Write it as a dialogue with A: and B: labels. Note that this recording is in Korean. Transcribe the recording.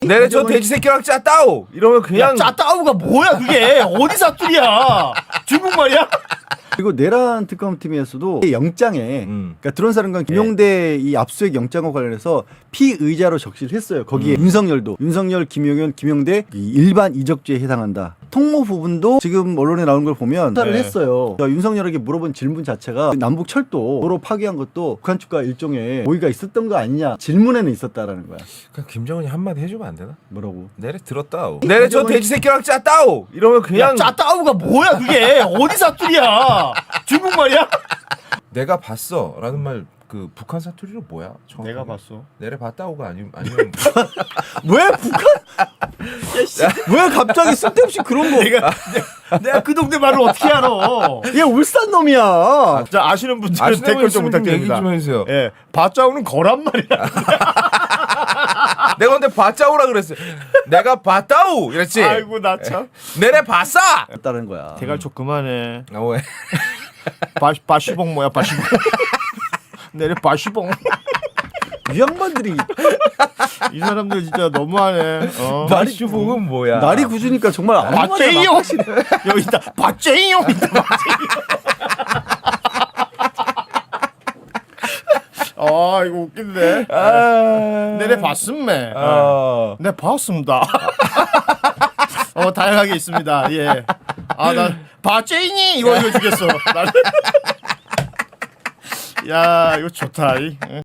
A: 내래 저 돼지 새끼랑 짜따오 이러면 그냥
B: 짜따우가 뭐야 그게 어디 사투리야 중국말이야?
C: 그리고 내란 특검팀에서도 영장에 그러니까 드론사령관 김용대 이 압수수색 영장과 관련해서 피의자로 적시를 했어요. 거기에 윤석열도 윤석열, 김용현, 김용대 이 일반 이적죄에 해당한다. 통모 부분도 지금 언론에 나온 걸 보면 수사를 했어요. 그러니까 윤석열에게 물어본 질문 자체가 남북 철도 도로 파괴한 것도 북한 측과 일종의 모의가 있었던 거 아니냐 질문에는 있었다라는 거야.
A: 그냥 김정은이 한마디 해주면 안 되나?
C: 뭐라고?
A: 내래 들었다오. 내래 저 돼지 새끼랑 짜따오 이러면 그냥
B: 짜따우가 뭐야 그게 어디 사투리야 중국말이야?
A: 내가 봤어라는 말 그 북한 사투리로 뭐야? 정확하게?
B: 내가 봤어.
A: 내래 봤다오가 아니면
C: 왜 북한? 왜 갑자기 쓸데없이 그런 거?
B: 내가 그 동네 말을 어떻게 알아?
C: 얘 울산 놈이야.
B: 자 아시는 분들은
A: 아시는
B: 댓글 좀
A: 분들은 얘기
B: 부탁드립니다.
A: 좀 해주세요.
B: 예, 바짜우는 거란 말이야.
A: 내가 근데 봤자오라 그랬어. 내가 봤다오 이랬지.
B: 아이고 나 참.
A: 내래 봤어.
C: 했다는 거야.
B: 대갈촉 그만해.
A: 아 왜?
B: 바시봉 뭐야 바시봉. 내래 바시봉.
C: 이 양반들이
B: 이 사람들 진짜 너무하네.
A: 바슈봉은 뭐야?
C: 날이 굳으니까 정말 아무 말이나
B: 바제이용
C: 막 하시네.
B: 여기 있다. 바제이용 있다. 아 이거 웃긴데. 내래 봤음매. 네 봤습니다. 다양하게 있습니다. 예. 나 바제이니 이거 주겠어. 야 이거 좋다.